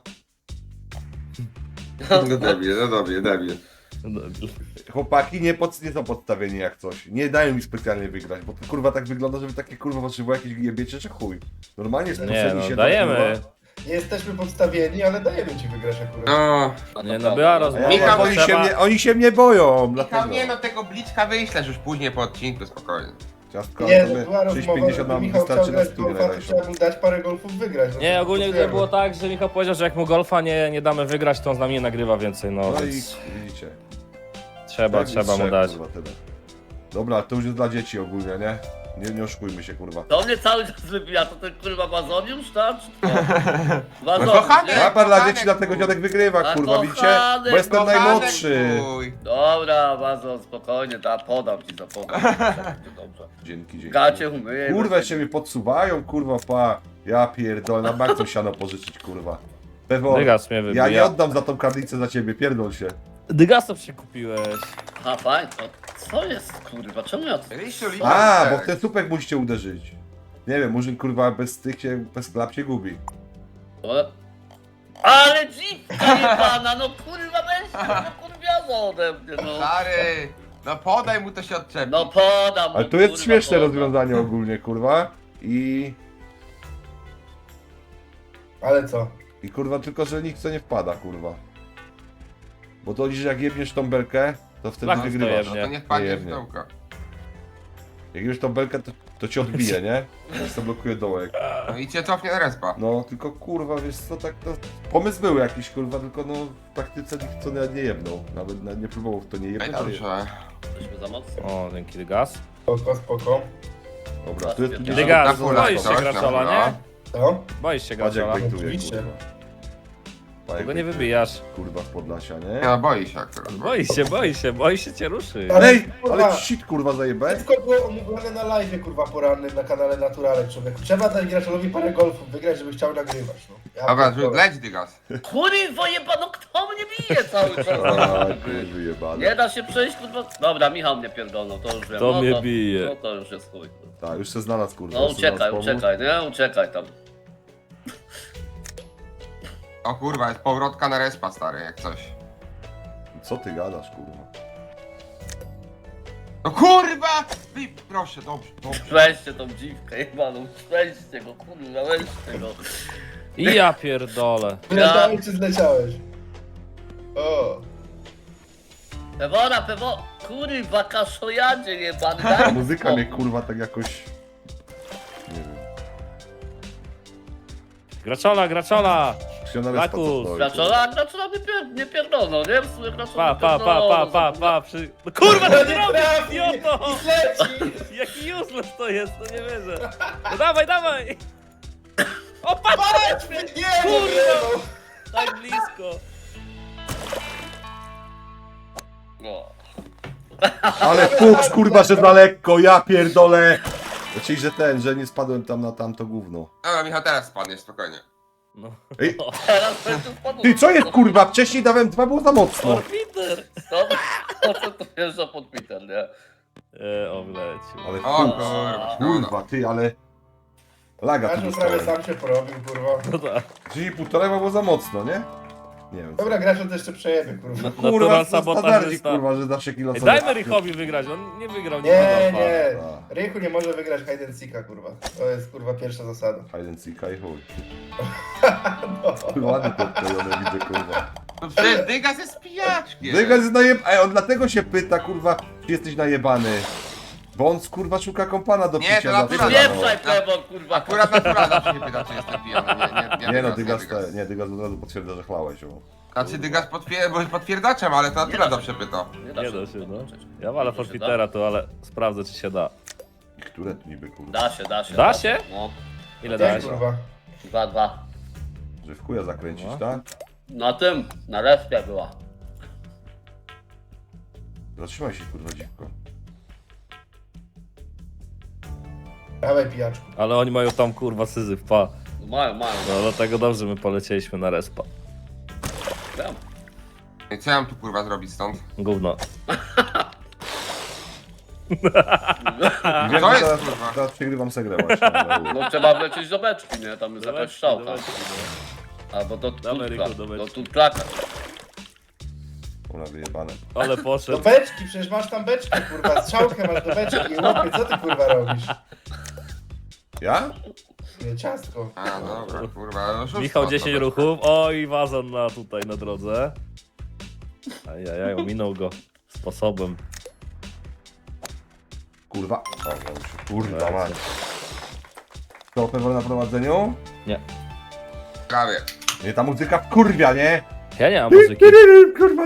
[SPEAKER 3] No debil.
[SPEAKER 1] Chłopaki nie są podstawieni jak coś. Nie dają mi specjalnie wygrać, bo to kurwa tak wygląda, żeby takie kurwa potrzebowało jakieś jebiecie czy chuj. Normalnie
[SPEAKER 5] Nie,
[SPEAKER 1] spuszczeni
[SPEAKER 5] no
[SPEAKER 1] się
[SPEAKER 5] dajemy.
[SPEAKER 1] tam, kurwa.
[SPEAKER 4] Nie jesteśmy podstawieni, ale dajemy ci wygrać akurat.
[SPEAKER 3] No.
[SPEAKER 5] Nie, no była
[SPEAKER 1] A
[SPEAKER 5] rozmowa.
[SPEAKER 3] Michał,
[SPEAKER 1] oni się mnie boją,
[SPEAKER 3] Michał,
[SPEAKER 1] dlatego.
[SPEAKER 3] nie no, tego bliczka wyślesz już później po odcinku, spokojnie.
[SPEAKER 1] Ciastko,
[SPEAKER 4] Nie,
[SPEAKER 1] ale
[SPEAKER 4] no
[SPEAKER 1] my
[SPEAKER 4] była rozmowa,
[SPEAKER 1] 6,50
[SPEAKER 4] że
[SPEAKER 1] nam
[SPEAKER 4] Michał chciał
[SPEAKER 1] wystarczy na
[SPEAKER 4] grać
[SPEAKER 1] studię
[SPEAKER 4] golfa, to
[SPEAKER 1] najlepszą.
[SPEAKER 4] trzeba mu dać parę golfów wygrać. No
[SPEAKER 5] Nie,
[SPEAKER 4] to
[SPEAKER 5] ogólnie
[SPEAKER 4] głosujemy.
[SPEAKER 5] było tak, że Michał powiedział, że jak mu golfa nie damy wygrać, to on z nami nie nagrywa więcej, no
[SPEAKER 1] No i
[SPEAKER 5] więc
[SPEAKER 1] widzicie.
[SPEAKER 5] trzeba
[SPEAKER 1] Tak,
[SPEAKER 5] mu
[SPEAKER 1] trzech,
[SPEAKER 5] dać.
[SPEAKER 1] kurwa, tyle. Dobra, to już jest dla dzieci ogólnie, nie? Nie oszukujmy się, kurwa.
[SPEAKER 2] To mnie cały czas wybija, to ten kurwa wazoniusz, tak? Czy co?
[SPEAKER 3] No
[SPEAKER 2] Wazoniusz,
[SPEAKER 3] kochany,
[SPEAKER 2] nie?
[SPEAKER 1] Napad dla
[SPEAKER 3] kochanek
[SPEAKER 1] dzieci, dlatego
[SPEAKER 3] mój.
[SPEAKER 1] dziadek wygrywa,
[SPEAKER 2] A
[SPEAKER 1] kurwa, widzicie?
[SPEAKER 2] kochanek,
[SPEAKER 1] Bo jestem
[SPEAKER 3] Kochanek
[SPEAKER 1] najmłodszy.
[SPEAKER 3] mój.
[SPEAKER 2] Dobra, wazon, spokojnie, podam ci za podam. Będzie dobrze.
[SPEAKER 1] Dzięki.
[SPEAKER 2] Gacie umyję.
[SPEAKER 1] Kurwa, się mi podsuwają, kurwa, pa. Ja pierdolę, na bardzo siano pożyczyć, kurwa. Pewor,
[SPEAKER 5] Dygas mnie
[SPEAKER 1] ja
[SPEAKER 5] wybija.
[SPEAKER 1] nie oddam za tą karnicę za ciebie, pierdol się.
[SPEAKER 5] Dygasów się kupiłeś.
[SPEAKER 2] Aha, fajnie, to co jest kurwa, czemu ja to...
[SPEAKER 3] Rysiu,
[SPEAKER 1] A,
[SPEAKER 3] liczę.
[SPEAKER 1] bo w ten słupek musicie uderzyć. Nie wiem, murzyn, kurwa, bez tych się, bez klap się gubi.
[SPEAKER 2] Ale dziwka jebana, no kurwa weź, no kurwiazo ode mnie, no.
[SPEAKER 3] Stary, no podaj mu, to się odczepi.
[SPEAKER 2] No podam mu,
[SPEAKER 1] Ale tu jest
[SPEAKER 2] kurwa,
[SPEAKER 1] śmieszne
[SPEAKER 2] podam.
[SPEAKER 1] rozwiązanie ogólnie, kurwa.
[SPEAKER 4] Ale co?
[SPEAKER 1] I kurwa, tylko że nikt co nie wpada, kurwa. Bo to liczy, jak jebniesz tą belkę, to wtedy
[SPEAKER 5] Tak,
[SPEAKER 1] wygrywasz.
[SPEAKER 5] to
[SPEAKER 3] No to nie wpadnie w
[SPEAKER 1] Jebnie.
[SPEAKER 3] dołka.
[SPEAKER 1] Jak jebniesz tą belkę, to cię odbije, nie? To blokuje dołek.
[SPEAKER 3] No i cię cofnie na respa.
[SPEAKER 1] No, tylko kurwa, wiesz co, tak to... Pomysł był jakiś, kurwa, tylko no w praktyce nikt co nawet nie jebnął. Nawet nie próbował w to nie
[SPEAKER 3] No i
[SPEAKER 1] jebnąć. to je-
[SPEAKER 3] dobrze.
[SPEAKER 2] Jesteśmy za mocno.
[SPEAKER 5] O, dzięki Dygas.
[SPEAKER 4] Spoko.
[SPEAKER 1] Dobra, tu jest tu
[SPEAKER 5] Dygas,
[SPEAKER 3] Na fulach
[SPEAKER 5] boisz się
[SPEAKER 3] coś,
[SPEAKER 5] graczola,
[SPEAKER 3] na
[SPEAKER 5] nie?
[SPEAKER 4] Co?
[SPEAKER 5] Boisz się
[SPEAKER 1] Patrz jak
[SPEAKER 5] graczola.
[SPEAKER 1] bejtuje,
[SPEAKER 4] Oczywiście.
[SPEAKER 1] kurwa.
[SPEAKER 5] Tego nie wybijasz.
[SPEAKER 1] Kurwa z Podlasia,
[SPEAKER 3] Nie
[SPEAKER 1] nie?
[SPEAKER 3] no, boi się akurat.
[SPEAKER 5] Boi się cię ruszy.
[SPEAKER 4] Ale,
[SPEAKER 1] Ej,
[SPEAKER 4] kurwa,
[SPEAKER 1] ale shit kurwa zajebę.
[SPEAKER 4] Wszystko było omówione na live, kurwa, porannym na kanale Naturalek, człowieku. Trzeba dać graczowi parę golfów wygrać, żeby chciał nagrywać, no. Ja
[SPEAKER 3] Dobra,
[SPEAKER 4] pierdolę.
[SPEAKER 3] leć dygas.
[SPEAKER 2] Kurwa jebano, kto mnie bije cały czas?
[SPEAKER 1] A, kurwa jebane.
[SPEAKER 2] Nie da się przejść, kurwa. Dobra, Michał mnie pierdolnął, to już wiem.
[SPEAKER 5] To
[SPEAKER 2] no
[SPEAKER 5] mnie bije.
[SPEAKER 2] No to już jest chuj. kurwa.
[SPEAKER 1] Tak, już się znalazł kurwa.
[SPEAKER 2] No
[SPEAKER 1] już się znalazł
[SPEAKER 2] uciekaj,
[SPEAKER 1] powód.
[SPEAKER 2] uciekaj, nie? Uciekaj tam.
[SPEAKER 3] O kurwa, jest powrotka na respa, stary, jak coś.
[SPEAKER 1] Co ty gadasz kurwa?
[SPEAKER 3] No kurwa! Proszę, dobrze, dobrze.
[SPEAKER 2] Weźcie tą dziwkę jebaną, weźcie go, kurwa, weźcie go.
[SPEAKER 5] I ja pierdolę.
[SPEAKER 4] Wyleciałeś czy zleciałeś? O.
[SPEAKER 2] Pewora, kurwa, kaszojadzie jebany,
[SPEAKER 1] Ta
[SPEAKER 2] daj mi
[SPEAKER 1] muzyka
[SPEAKER 2] spokój.
[SPEAKER 1] mnie kurwa tak jakoś... Nie wiem.
[SPEAKER 5] Graczola!
[SPEAKER 1] Krzysiona Respa, co
[SPEAKER 5] Lakus.
[SPEAKER 1] stoi,
[SPEAKER 2] Graczola nie pierdolą, nie? W sumie graczola
[SPEAKER 5] Pa. No kurwa,
[SPEAKER 4] No
[SPEAKER 5] co
[SPEAKER 4] nie
[SPEAKER 5] ty robisz,
[SPEAKER 4] trafi!
[SPEAKER 5] idioto!
[SPEAKER 4] I leci!
[SPEAKER 5] Jaki useless to jest, no nie wierzę. No dawaj! O, patrz!
[SPEAKER 4] Patrz! Nie,
[SPEAKER 5] Kurwa!
[SPEAKER 4] no.
[SPEAKER 5] Tak blisko.
[SPEAKER 2] No.
[SPEAKER 1] Ale fuks kurwa, że za lekko, ja pierdolę! Znaczy, że nie spadłem tam na tamto gówno.
[SPEAKER 3] Dobra, Michał, teraz spadniesz, spokojnie.
[SPEAKER 5] No.
[SPEAKER 1] Ej,
[SPEAKER 2] Teraz będzie spadł.
[SPEAKER 1] ty co jest kurwa? Wcześniej dałem 2, było za mocno.
[SPEAKER 5] Peter!
[SPEAKER 2] Co to wjeżdża pod Peter, nie?
[SPEAKER 5] O, wlecił.
[SPEAKER 1] Ale
[SPEAKER 3] O
[SPEAKER 1] fuks.
[SPEAKER 3] kurwa,
[SPEAKER 1] Kurwa, ty, ale... Laga tu
[SPEAKER 4] Graczu prawie
[SPEAKER 1] dostałem.
[SPEAKER 4] sam się porobił, kurwa.
[SPEAKER 5] No tak.
[SPEAKER 1] Czyli półtora było za mocno, nie? Nie wiem.
[SPEAKER 4] Dobra, graczu to jeszcze przejemy, kurwa.
[SPEAKER 1] Kurwa,
[SPEAKER 5] Natural
[SPEAKER 1] co
[SPEAKER 5] sabotażysta.
[SPEAKER 1] standardzik, kurwa, że zawsze kilo
[SPEAKER 5] Ej,
[SPEAKER 1] sobie...
[SPEAKER 5] dajmy Richowi wygrać, on nie wygrał
[SPEAKER 4] Nie,
[SPEAKER 5] nigdy.
[SPEAKER 4] nie.
[SPEAKER 1] A.
[SPEAKER 4] Rychu nie może wygrać hide and seeka, kurwa. To jest, kurwa, pierwsza zasada.
[SPEAKER 1] Hide and seeka i chuj.
[SPEAKER 4] No.
[SPEAKER 1] Ładnie to odklejone widzę, kurwa.
[SPEAKER 3] No przecież dygas jest pijaczkiem.
[SPEAKER 1] Dygas jest Ej, on dlatego się pyta, kurwa, czy jesteś najebany. Bo on, kurwa, szuka kompana do
[SPEAKER 3] Nie,
[SPEAKER 1] picia
[SPEAKER 3] to
[SPEAKER 1] zawsze.
[SPEAKER 3] naturalne.
[SPEAKER 2] Wypieprzaj Pewor, kurwa.
[SPEAKER 3] Akurat natura zawsze się pyta, czy jestem pijany.
[SPEAKER 1] Nie no,
[SPEAKER 3] dygas,
[SPEAKER 1] Dygas od razu potwierdza, że chlałeś. O.
[SPEAKER 3] Znaczy dygas potwierdzaczem, ale to natura zawsze pyta.
[SPEAKER 5] Nie da się, no.
[SPEAKER 2] podłączyć.
[SPEAKER 5] Ja walę
[SPEAKER 2] Da się,
[SPEAKER 5] forfitera tu, ale sprawdzę, czy się da.
[SPEAKER 1] I które tu niby, kurwa?
[SPEAKER 2] Da się, da się.
[SPEAKER 5] Da się?
[SPEAKER 2] No,
[SPEAKER 5] Ile
[SPEAKER 4] Nie,
[SPEAKER 5] dałeś?
[SPEAKER 4] kurwa.
[SPEAKER 2] 2-2.
[SPEAKER 1] Że w chuja zakręcić,
[SPEAKER 5] No.
[SPEAKER 1] tak?
[SPEAKER 2] Na tym, na respie była.
[SPEAKER 1] Zatrzymaj się, kurwa, dziwko.
[SPEAKER 4] Dawaj, pijaczku.
[SPEAKER 5] Ale oni mają tam kurwa syzyf, pa.
[SPEAKER 2] Mają.
[SPEAKER 5] No dlatego dobrze my polecieliśmy na respa.
[SPEAKER 2] Wiem.
[SPEAKER 3] I co ja mam tu kurwa zrobić stąd?
[SPEAKER 5] Gówno.
[SPEAKER 1] Wiem,
[SPEAKER 3] Co
[SPEAKER 1] że
[SPEAKER 3] jest,
[SPEAKER 1] teraz,
[SPEAKER 3] kurwa?
[SPEAKER 1] teraz przegrywam segrę właśnie. ale-
[SPEAKER 2] No trzeba wlecieć do beczki, nie? Tam jest jakaś
[SPEAKER 5] Dawajcie,
[SPEAKER 2] strzałka.
[SPEAKER 5] dawajcie, no.
[SPEAKER 2] Albo do
[SPEAKER 5] Dawaj,
[SPEAKER 2] tutka.
[SPEAKER 5] Ryku, do beczki.
[SPEAKER 2] Do tutklaka.
[SPEAKER 1] Ona wyjebane.
[SPEAKER 5] Ale
[SPEAKER 4] Do
[SPEAKER 5] poszedł.
[SPEAKER 4] beczki, przecież masz tam beczki, kurwa. Strzałkę masz do beczki. Łopie, co ty, kurwa, robisz?
[SPEAKER 1] Ja?
[SPEAKER 4] Nie, ciastko.
[SPEAKER 3] A, dobra, kurwa, oszustwo.
[SPEAKER 5] Michał 10 ruchów. Oj, wazon na tutaj na drodze. Ajajaj, ominął go sposobem.
[SPEAKER 1] Kurwa. O, ja już się, kurwa, man. To pewno na prowadzeniu?
[SPEAKER 5] Nie.
[SPEAKER 3] Prawie.
[SPEAKER 1] Nie, ta muzyka kurwia, nie?
[SPEAKER 5] Ja nie mam muzyki.
[SPEAKER 1] Kurwa,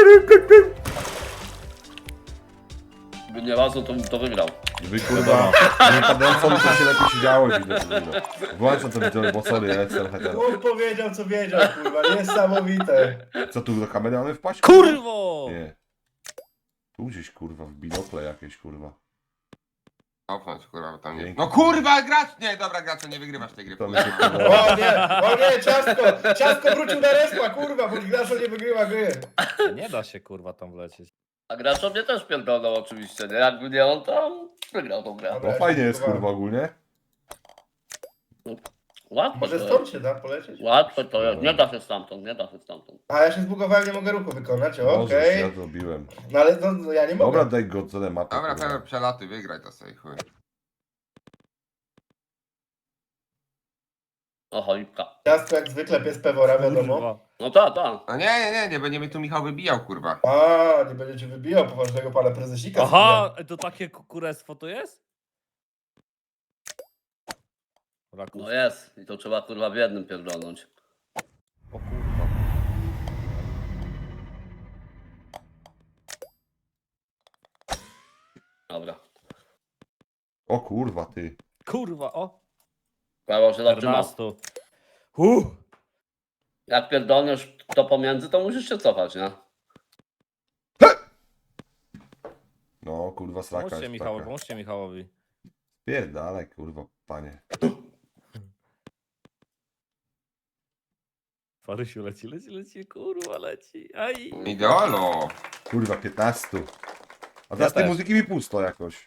[SPEAKER 2] Gdyby nie razem, to bym to wygrał.
[SPEAKER 1] Wy kurwa, nie padłem sobie, to się lepiej siedziało, widzę, kurwa. Włączam to widzę, bo sorry, ja jestem heter.
[SPEAKER 4] On powiedział, co wiedział, kurwa. Niesamowite.
[SPEAKER 1] Co tu do kamery mamy wpaść?
[SPEAKER 5] Kurwo!
[SPEAKER 1] Nie. Tu gdzieś kurwa, w binokle jakieś kurwa.
[SPEAKER 3] Opnąć, kurwa, bo tam nie...
[SPEAKER 1] Pięknie.
[SPEAKER 3] No kurwa, gracz! Nie, dobra, graczu, nie wygrywasz tej gry.
[SPEAKER 1] To mi
[SPEAKER 3] kurwa.
[SPEAKER 1] się podoba.
[SPEAKER 4] O nie, ciastko. Ciastko wrócił na respa, kurwa, bo gracz nie wygrywa gry.
[SPEAKER 5] Nie da się kurwa tam wlecieć.
[SPEAKER 2] A gracz mnie też pierdolnął oczywiście, nie? Jakby nie on, to wygrał tą grę.
[SPEAKER 1] No fajnie jest kurwa ogólnie.
[SPEAKER 2] Łatwo
[SPEAKER 4] Może
[SPEAKER 2] to
[SPEAKER 4] stąd
[SPEAKER 2] jest.
[SPEAKER 4] się da polecieć?
[SPEAKER 2] Łatwo to jest. Nie da się stamtąd, nie da się stamtąd.
[SPEAKER 4] A ja się zbugowałem, nie mogę ruchu wykonać,
[SPEAKER 1] Możesz,
[SPEAKER 4] okej.
[SPEAKER 1] ja zrobiłem.
[SPEAKER 4] No ale no, ja nie mogę.
[SPEAKER 1] Dobra, daj go co mapę.
[SPEAKER 3] Dobra,
[SPEAKER 1] kurwa.
[SPEAKER 3] Pewor, przelatuj, wygraj to sobie, chuj.
[SPEAKER 2] O, cholipka.
[SPEAKER 4] Ciastko jak zwykle pies Pewora, wiadomo.
[SPEAKER 5] Kurwa.
[SPEAKER 2] No tak.
[SPEAKER 3] No nie będzie mnie tu Michał wybijał, kurwa.
[SPEAKER 4] A, nie będziecie wybijał poważnego pana prezesika.
[SPEAKER 5] Aha, to takie kurestwo to jest? Rakus.
[SPEAKER 2] No jest. I to trzeba kurwa w jednym pierdolnąć.
[SPEAKER 5] O kurwa.
[SPEAKER 2] Dobra.
[SPEAKER 1] O kurwa, ty.
[SPEAKER 5] Kurwa, o.
[SPEAKER 2] Prawo się zaczyna.
[SPEAKER 5] 14.
[SPEAKER 2] Jak pierdolniesz to pomiędzy, to musisz się cofać, nie?
[SPEAKER 1] No, kurwa, sraka
[SPEAKER 5] Pomóżcie
[SPEAKER 1] jest
[SPEAKER 5] Michałowi,
[SPEAKER 1] taka.
[SPEAKER 5] pomóżcie Michałowi.
[SPEAKER 1] Pierdalaj, kurwa, panie.
[SPEAKER 5] Farysiu leci, kurwa, leci. Aj.
[SPEAKER 3] Idolo.
[SPEAKER 1] Kurwa, 15. A teraz tej
[SPEAKER 5] też.
[SPEAKER 1] muzyki mi pusto jakoś.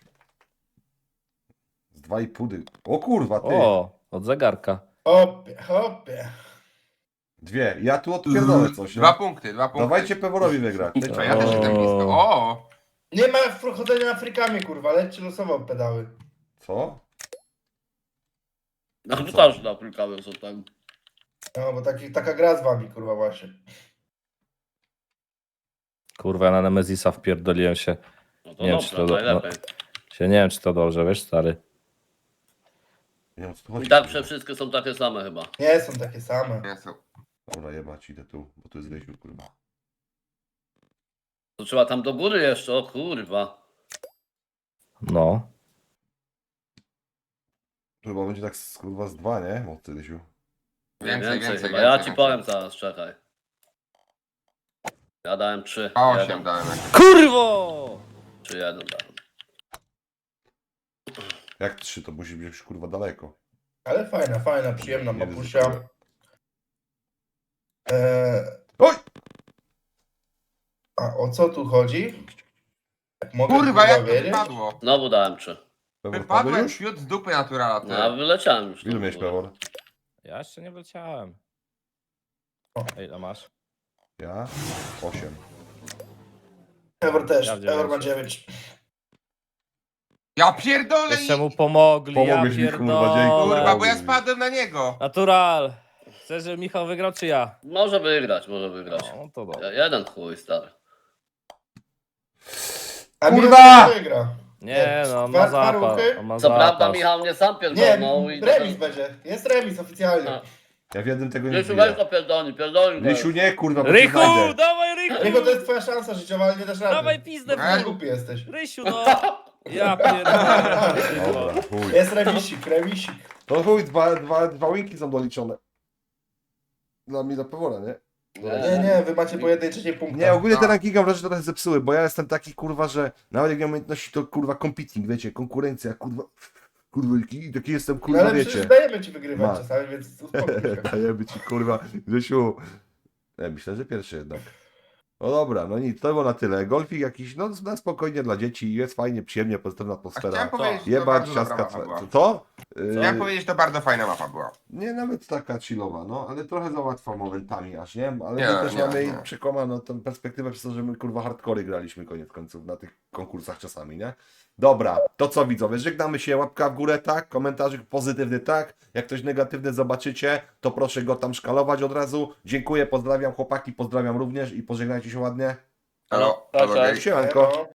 [SPEAKER 1] Z 2,5 O kurwa, ty.
[SPEAKER 5] O, od zegarka.
[SPEAKER 4] Hopie.
[SPEAKER 1] Dwie. Ja tu odpierdolę coś.
[SPEAKER 3] 2
[SPEAKER 1] No.
[SPEAKER 3] punkty, 2 punkty.
[SPEAKER 1] Dawajcie Peworowi wygrać.
[SPEAKER 3] A ja też jestem blisko. O!
[SPEAKER 4] Nie ma wchodzenia Afrykami, kurwa, lećcie losowo pedały.
[SPEAKER 1] Co?
[SPEAKER 2] No to też na Afrykawy są tam.
[SPEAKER 4] No, bo taka gra z wami, kurwa, właśnie.
[SPEAKER 5] Kurwa, ja na Nemezisa wpierdoliłem się.
[SPEAKER 2] No to
[SPEAKER 5] Nie wiem,
[SPEAKER 2] dobrze,
[SPEAKER 5] czy to-
[SPEAKER 2] najlepiej.
[SPEAKER 5] Nie wiem, czy to dobrze, wiesz, stary.
[SPEAKER 1] Nie wiem, co tu chodzi.
[SPEAKER 2] I tak
[SPEAKER 1] kurwa.
[SPEAKER 2] wszystkie są takie same chyba.
[SPEAKER 4] Nie są takie same.
[SPEAKER 3] Nie są.
[SPEAKER 1] Dobra, jebać, idę tu, bo tu jest Rysiu, kurwa.
[SPEAKER 2] To trzeba tam do góry jeszcze, o kurwa.
[SPEAKER 5] No.
[SPEAKER 1] Tu chyba będzie tak kurwa z 2, nie? Od ty, Rysiu.
[SPEAKER 3] Więcej, więcej,
[SPEAKER 2] chyba.
[SPEAKER 3] więcej.
[SPEAKER 2] Ja ci
[SPEAKER 3] więcej.
[SPEAKER 2] powiem zaraz, czekaj. Ja dałem 3.
[SPEAKER 3] A 8
[SPEAKER 2] 1.
[SPEAKER 3] dałem.
[SPEAKER 5] Kurwo!
[SPEAKER 2] 3, 1 dałem.
[SPEAKER 1] Jak 3, to musi być już kurwa daleko.
[SPEAKER 4] Ale fajna, przyjemna
[SPEAKER 1] Nie
[SPEAKER 4] mapusia.
[SPEAKER 1] ryzykuję.
[SPEAKER 4] Oj! A o co tu chodzi? Jak mogę
[SPEAKER 3] Kurwa, jak to
[SPEAKER 4] wiedzieć?
[SPEAKER 3] wypadło?
[SPEAKER 2] Znowu dałem 3.
[SPEAKER 1] Pewor,
[SPEAKER 3] Wypadło
[SPEAKER 1] padłeś
[SPEAKER 3] jak
[SPEAKER 1] już?
[SPEAKER 3] fiut z dupy naturala. ty.
[SPEAKER 2] No ja wyleciałem już.
[SPEAKER 1] Ilu
[SPEAKER 2] tam
[SPEAKER 1] miałeś
[SPEAKER 2] w górę.
[SPEAKER 1] Pewor?
[SPEAKER 5] Ja jeszcze nie wleciałem. Ej, ile masz?
[SPEAKER 1] Ja? 8.
[SPEAKER 4] Pewor też,
[SPEAKER 5] Ja
[SPEAKER 4] Pewor ma
[SPEAKER 5] 9.
[SPEAKER 4] 9.
[SPEAKER 3] Ja pierdolę
[SPEAKER 5] Jeszcze
[SPEAKER 3] i...
[SPEAKER 5] mu pomogli,
[SPEAKER 1] Pomogłeś
[SPEAKER 5] ja
[SPEAKER 1] mi, kurwa, dzięki.
[SPEAKER 5] pierdolę.
[SPEAKER 3] Kurwa, bo ja spadłem na niego.
[SPEAKER 5] Natural. Chcesz, żeby Michał wygrał, czy ja?
[SPEAKER 2] Może wygrać, może wygrać.
[SPEAKER 5] No to dobra.
[SPEAKER 2] Jeden chuj, stary.
[SPEAKER 4] A
[SPEAKER 1] Kurwa!
[SPEAKER 4] Michał wygra.
[SPEAKER 5] Nie no, on
[SPEAKER 4] Dwa-
[SPEAKER 5] ma
[SPEAKER 4] dwa
[SPEAKER 5] zapas.
[SPEAKER 4] ruchy?
[SPEAKER 5] On ma
[SPEAKER 2] Co prawda
[SPEAKER 5] zapas.
[SPEAKER 2] Michał mnie sam
[SPEAKER 4] Nie,
[SPEAKER 2] pierdolnął i...
[SPEAKER 4] remis będzie. Jest remis oficjalnie.
[SPEAKER 2] A.
[SPEAKER 1] Ja w jednym tego nie
[SPEAKER 2] Rysiu, weź
[SPEAKER 1] widzę.
[SPEAKER 2] to pierdolni go.
[SPEAKER 1] Rysiu, nie, kurwa, bo cię
[SPEAKER 5] Rychu,
[SPEAKER 1] znajdę.
[SPEAKER 5] dawaj Rychu!
[SPEAKER 4] Rychu, to jest twoja szansa życiowa, ale nie dasz rady.
[SPEAKER 5] Dawaj pizdę w
[SPEAKER 3] Ej.
[SPEAKER 5] dół.
[SPEAKER 4] Głupi jesteś.
[SPEAKER 5] Rysiu, no. Ja pierdolę.
[SPEAKER 1] Dobra, chuj.
[SPEAKER 4] Jest remisik.
[SPEAKER 1] To chuj, dwa winki są doliczone. Dla mnie, dla Pewora, nie?
[SPEAKER 4] Nie, wy macie po 1/3 punkta.
[SPEAKER 1] Nie, ogólnie te
[SPEAKER 3] No.
[SPEAKER 1] rankingi mam wrażenie, że trochę zepsuły, bo ja jestem taki, kurwa, że nawet jak nie mam umiejętności, to kurwa competing, wiecie, konkurencja, kurwa, i taki jestem,
[SPEAKER 4] No
[SPEAKER 1] kurwa,
[SPEAKER 4] ale
[SPEAKER 1] wiecie.
[SPEAKER 4] przecież dajemy ci wygrywać
[SPEAKER 1] Ma.
[SPEAKER 4] czasami, więc uspokój się.
[SPEAKER 1] Dajemy ci, kurwa, Grzesiu. Ja myślę, że pierwszy jednak. No dobra, no nic, to było na tyle. Golfik jakiś, no na spokojnie dla dzieci, jest fajnie, przyjemnie, pozytywna
[SPEAKER 3] A
[SPEAKER 1] atmosfera.
[SPEAKER 3] chciałem powiedzieć, że to
[SPEAKER 1] Jebać,
[SPEAKER 3] bardzo dobra
[SPEAKER 1] ciastka,
[SPEAKER 3] mapa była.
[SPEAKER 1] to?
[SPEAKER 3] Chciałem powiedzieć, że to bardzo fajna mapa była.
[SPEAKER 1] Nie, nawet taka chillowa, no, ale trochę za łatwa momentami aż, nie? Ale
[SPEAKER 3] Nie,
[SPEAKER 1] my też
[SPEAKER 3] nie,
[SPEAKER 1] mamy
[SPEAKER 3] nie.
[SPEAKER 1] przekłamaną tą perspektywę przez to, że my kurwa hardcory graliśmy koniec końców na tych konkursach czasami, nie? Dobra, to co widzowie, żegnamy się, łapka w górę, tak, komentarzyk pozytywny, tak, jak ktoś negatywny zobaczycie, to proszę go tam szkalować od razu. Dziękuję, pozdrawiam chłopaki, pozdrawiam również i pożegnajcie się ładnie.
[SPEAKER 3] Halo,
[SPEAKER 2] Cześć,
[SPEAKER 3] halo,
[SPEAKER 2] cześć.
[SPEAKER 3] gej.
[SPEAKER 1] Siemanko.
[SPEAKER 4] No.